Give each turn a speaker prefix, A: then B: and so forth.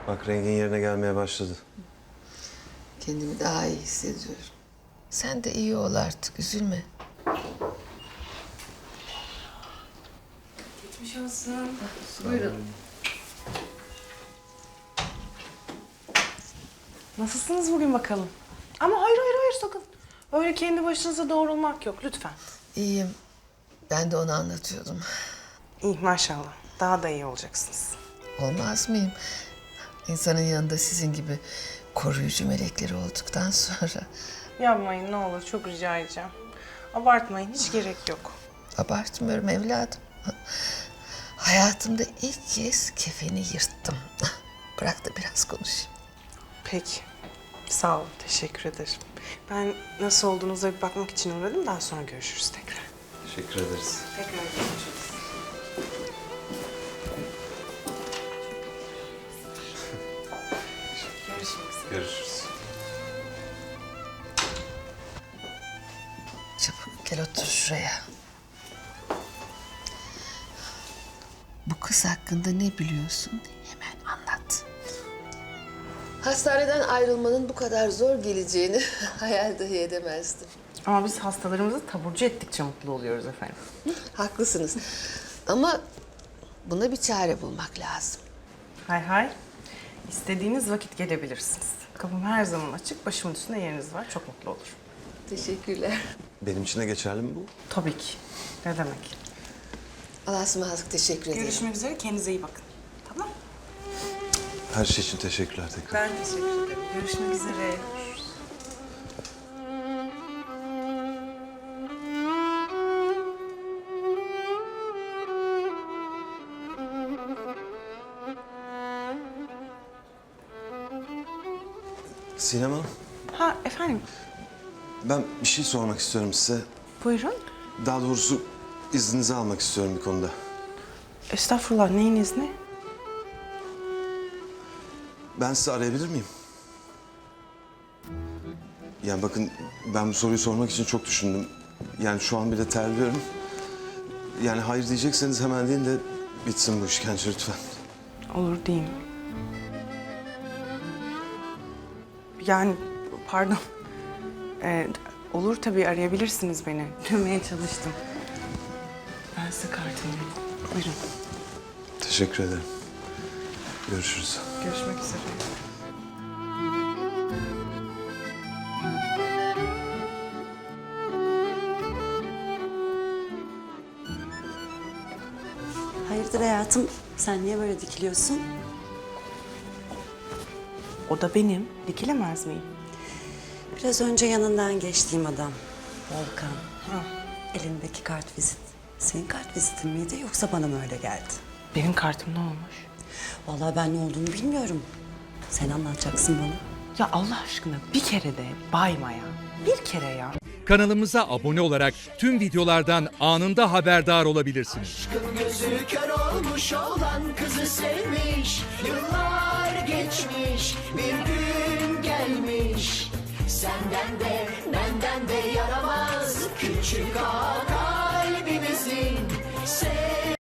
A: Bak rengin yerine gelmeye başladı.
B: Kendimi daha iyi hissediyorum. Sen de iyi ol artık, üzülme.
C: Geçmiş olsun.
B: Buyurun.
C: Nasılsınız bugün bakalım? Ama hayır sakın. Öyle kendi başınıza doğrulmak yok lütfen.
B: İyiyim. Ben de onu anlatıyordum.
C: İyi maşallah. Daha da iyi olacaksınız.
B: Olmaz mıyım? İnsanın yanında sizin gibi koruyucu melekleri olduktan sonra
C: Yapmayın ne olur çok rica edeceğim. Abartmayın hiç gerek yok.
B: abartmıyorum evladım. Hayatımda ilk kez kefeni yırttım. Bırak da biraz konuşayım.
C: Peki. Sağ olun. Teşekkür ederim. Ben nasıl olduğunuza bir bakmak için uğradım. Daha sonra görüşürüz tekrar.
A: Teşekkür ederiz.
C: Tekrar görüşürüz. Görüşmek üzere.
A: Görüşürüz.
B: Çabuk gel otur şuraya. Bu kız hakkında ne biliyorsun? Hemen anlat. Hastaneden ayrılmanın bu kadar zor geleceğini hayal dahi edemezdim.
C: Ama biz hastalarımızı taburcu ettikçe mutlu oluyoruz efendim.
B: Haklısınız. Ama buna bir çare bulmak lazım.
C: Hay. İstediğiniz vakit gelebilirsiniz. Kapım her zaman açık. Başımın üstünde yeriniz var. Çok mutlu olur.
B: Teşekkürler.
A: Benim için de geçerli mi bu?
C: Tabii ki. Ne demek?
B: Allah'a ısmarladık, teşekkür ederim.
C: Görüşmek üzere. Kendinize iyi bakın. Tamam.
A: Her şey için teşekkürler tekrar.
C: Ben teşekkür ederim. Görüşmek üzere.
A: Sinem Hanım,
C: Ha efendim.
A: ben bir şey sormak istiyorum size.
C: Buyurun.
A: Daha doğrusu izninizi almak istiyorum bir konuda.
C: Estağfurullah. Neyin izni?
A: Ben sizi arayabilir miyim? Yani bakın ben bu soruyu sormak için çok düşündüm. Yani şu an bile terliyorum. Yani hayır diyecekseniz hemen deyin de bitsin bu işkence lütfen.
C: Olur diyeyim. Yani pardon. Olur tabii arayabilirsiniz beni. Dönmeye çalıştım. Ben size kartımı vereyim. Buyurun.
A: Teşekkür ederim. Görüşürüz.
C: Görüşmek üzere.
D: Hayırdır hayatım? Sen niye böyle dikiliyorsun?
C: O da benim. Dikilemez miyim?
D: Biraz önce yanından geçtiğim adam. Volkan.
C: Ha.
D: Elindeki kart vizit. Senin kart vizitin miydi yoksa bana mı öyle geldi?
C: Benim kartım ne olmuş?
D: Vallahi ben ne olduğunu bilmiyorum. Sen anlatacaksın bana.
C: Ya Allah aşkına bir kere de bayma ya. Bir kere ya.
E: Kanalımıza abone olarak tüm videolardan anında haberdar olabilirsiniz.
F: Aşkın gözü kör olmuş olan kızı sevmiş. Yıllar geçmiş, bir gün gelmiş. Senden de benden de yaramaz küçük ağa kalbimizin.